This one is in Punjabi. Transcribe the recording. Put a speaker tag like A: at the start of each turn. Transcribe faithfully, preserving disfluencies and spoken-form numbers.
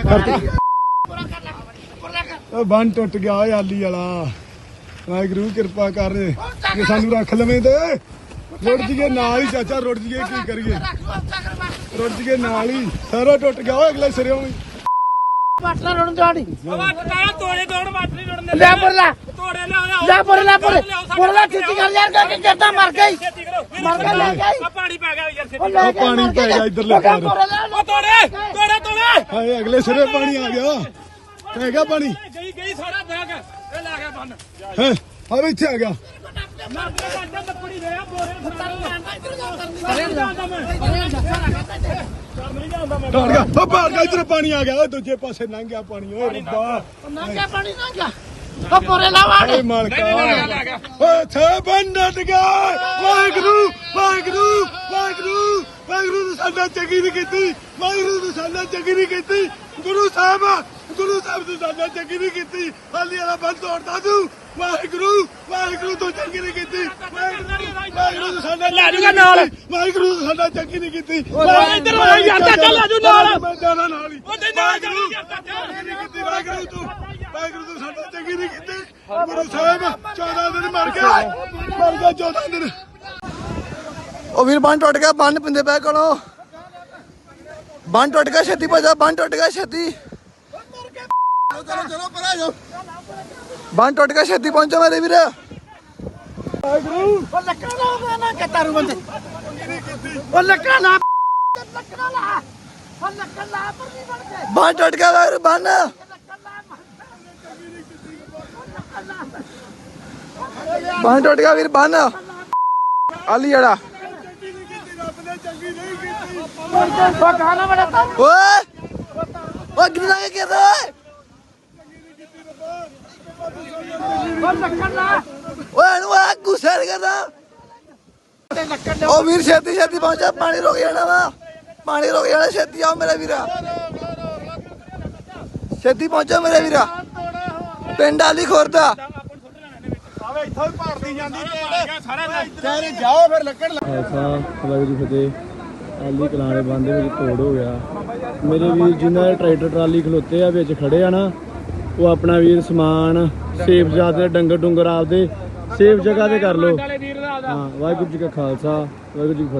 A: ਬੰਨ ਟੁੱਟ ਗਿਆ ਓਏ ਆਲੀ ਵਾਲਾ ਵਾਹਿਗੁਰੂ ਕਿਰਪਾ ਕਰ ਜੇ ਸਾਨੂੰ ਰੱਖ ਲਵੇਂ ਤੇ ਰੁੜ ਜੀਏ ਨਾਲ ਹੀ ਚਾਚਾ ਰੁੜ ਜੀਏ ਕੀ ਕਰੀਏ ਰੁੜ ਜੀਏ ਨਾਲ ਹੀ ਸਾਰਾ ਟੁੱਟ ਗਿਆ ਓਏ ਅਗਲੇ ਸਿਰਿਓਂ ਵੀ
B: ਬਾਟਲਾ ਰੋਣ ਦਾੜੀ
C: ਤੋੜੇ ਤੋੜ ਬਾਟ ਨਹੀਂ ਰੋਣ
B: ਲੈ ਬਰਲਾ
C: ਤੋੜੇ ਲਿਆ
B: ਲੈ ਬਰਲਾ ਬਰਲਾ ਛੇਤੀ ਕਰ ਯਾਰ ਕਿ ਕਿੱਦਾਂ ਮਰ ਗਈ ਮਰ ਗਿਆ ਲੈ ਗਈ
C: ਆ ਪਾਣੀ ਪੈ ਗਿਆ ਯਾਰ ਛੇਤੀ
A: ਉਹ ਪਾਣੀ ਪੈ ਗਿਆ ਇਧਰਲੇ ਪਾਰ
C: ਉਹ ਤੋੜੇ ਤੋੜੇ ਤੋੜੇ
A: ਹਾਏ ਅਗਲੇ ਸਿਰੇ ਪਾਣੀ ਆ ਗਿਆ ਪੈ ਗਿਆ ਪਾਣੀ
C: ਗਈ ਗਈ ਸਾਰਾ ਬੈਗ ਇਹ ਲੈ ਗਿਆ ਬੰਨ
A: ਹੈ ਆ ਇੱਥੇ ਆ ਗਿਆ
C: ਮੈਂ ਅੱਡਾ ਲੱਕੜੀ ਦੇ ਆ ਬੋਰੇ
A: ਡਰ ਗਿਆ ਉਹ ਬਾਹਰ ਗਿਆ ਇਧਰ ਪਾਣੀ ਆ ਗਿਆ ਓਏ ਦੂਜੇ ਪਾਸੇ ਲੰਘ ਗਿਆ ਪਾਣੀ ਓਏ ਰੱਬਾ
B: ਨੰਗਾ ਪਾਣੀ ਨੰਗਾ ਉਹ ਪੋਰੇ ਲਾ ਵਾੜ
A: ਓਏ ਮਾਲਕਾ ਓਏ ਛੇ ਬੰਨਟ ਗਿਆ ਵਾਹਿਗੁਰੂ ਵਾਹਿਗੁਰੂ ਵਾਹਿਗੁਰੂ ਵਾਹਿਗੁਰੂ ਨੇ ਸਾਡਾ ਚੰਗੀ ਨਹੀਂ ਕੀਤੀ ਵਾਹਿਗੁਰੂ ਨੇ ਸਾਡਾ ਚੰਗੀ ਨਹੀਂ ਕੀਤੀ ਗੁਰੂ ਸਾਹਿਬ ਗੁਰੂ ਸਾਹਿਬ ਨੇ ਸਾਡਾ ਚੰਗੀ ਨਹੀਂ ਕੀਤੀ ਹਾਲੀ ਵਾਲਾ ਬੰਦ ਤੋੜਦਾ ਤੂੰ ਵਾਹਿਗੁਰੂ ਵਾਹਿਗੁਰੂ ਤੋਂ ਚੰਗੀ ਨਹੀਂ ਕੀਤੀ ਵਾਹਿਗੁਰੂ ਨੇ ਸਾਡਾ
C: ਲੈ ਜੂਗਾ ਨਾਲ
A: ਵਾਹਿਗੁਰੂ ਨੇ ਸਾਡਾ ਚੰਗੀ ਨਹੀਂ ਕੀਤੀ
C: ਇੱਧਰ ਆ ਯਾਰ ਚਾਚਾ ਲੈ ਜੂ ਨਾਲ
A: ਮੈਂ ਜਾਣਾ ਨਾਲ ਹੀ
C: ਉਹ ਤੇ ਨਾਲ ਚੱਲ ਯਾਰ ਚਾਚਾ
A: ਚੰਗੀ ਨਹੀਂ ਕੀਤੀ ਵਾਹਿਗੁਰੂ ਤੂੰ ਵਾਹਿਗੁਰੂ ਤੂੰ ਸਾਡਾ ਚੰਗੀ ਨਹੀਂ ਕੀਤੀ ਗੁਰੂ ਸਾਹਿਬ ਚੌਦਾਂ ਦਿਨ ਮਰ ਗਿਆ ਮਰ ਗਿਆ ਚੌਦਾਂ ਦਿਨ ਉਹ ਵੀਰ ਬੰਨ ਟੁੱਟ ਗਿਆ ਬੰਨ ਪਿੰਦੇ ਪੈ ਕੋਲੋਂ ਬੰਨ ਟੁੱਟ ਗਿਆ ਛੇਤੀ ਭਜਾ ਬੰਨ ਟੁੱਟ ਗਿਆ ਛੇਤੀ ਚਲੋ ਚਲੋ ਪਰਾਂ ਜਾਓ ਬੰਨ ਟੁੱਟ ਗਿਆ ਛੇਤੀ ਪਹੁੰਚੋ ਮੇਰੇ ਵੀਰ ਵਾਹਿਗੁਰੂ
B: ਉਹ ਲੱਕੜਾ ਲਾ ਨਾ ਕਤਾਰੂ ਬੰਦੇ ਉਹ ਲੱਕੜਾ ਲਾ ਲੱਕੜਾ ਲਾ ਉਹ ਲੱਕੜਾ ਲਾ ਪਰ ਨਹੀਂ ਬਣ ਕੇ
A: ਬੰਨ ਟੁੱਟ ਗਿਆ ਵਾਹਿਗੁਰੂ ਬੰਨ ਬੰਨ ਟੁੱਟ ਗਿਆ ਵੀਰ ਬੰਨ ਆਲੀ ਜੜਾ
B: ਉਹ ਗਾਣਾ ਬੜਾ ਤਾ
A: ਓਏ ਓਏ ਕਿੰਨਾ ਕੇ ਕਰਦਾ
B: ਉਹ ਲੱਕੜਾ ਲਾ
A: ਓਏ ਇਹਨੂੰ ਆ ਗੁੱਸਾ ਨਹੀਂ ਕਰਦਾ
B: ਤੇ ਲੱਕੜ
A: ਉਹ ਵੀਰ ਛੇਤੀ ਛੇਤੀ ਪਹੁੰਚਾ ਪਾਣੀ ਰੁਕ ਜਾਣਾ ਵਾ ਪਾਣੀ ਰੁਕ ਜਾਣਾ ਛੇਤੀ ਆਓ ਮੇਰਾ ਵੀਰਾ ਛੇਤੀ ਪਹੁੰਚੋ ਮੇਰੇ ਵੀਰਾ ਪਿੰਡ ਆਲੀ ਖੁਰਦਾ
C: ਆਵੇ ਇੱਥੋਂ ਹੀ ਭਾਰਤੀ ਜਾਂਦੀ ਤੋੜ ਸਾਰਾ
A: ਕਹਿੰਦੇ ਜਾਓ ਫਿਰ ਲੱਕੜ
D: ਐਸਾ ਵਾਹਿਗੁਰੂ ਜੀ ਫਤਿਹ ਆਲੀ ਕਲਾਣੇ ਬੰਦ ਦੇ ਵਿੱਚ ਤੋੜ ਹੋ ਗਿਆ ਮੇਰੇ ਵੀਰ ਜਿਨ੍ਹਾਂ ਦੇ ਟਰੈਕਟਰ ਟਰਾਲੀ ਖਲੋਤੇ ਆ ਵਿੱਚ ਖੜੇ ਆ ਨਾ ਉਹ ਆਪਣਾ ਵੀਰ ਸਮਾਨ ਸੇਫ ਜਾਦੇ ਡੰਗਰ ਡੁੰਗਰ ਆਪਦੇ ਸੇਫ ਜਗ੍ਹਾ ਤੇ ਕਰ ਲੋ ਹਾਂ ਵਾਹਿਗੁਰੂ ਜੀ ਕਾ ਖਾਲਸਾ ਵਾਹਿਗੁਰੂ ਜੀ ਕੀ ਫਤਿਹ।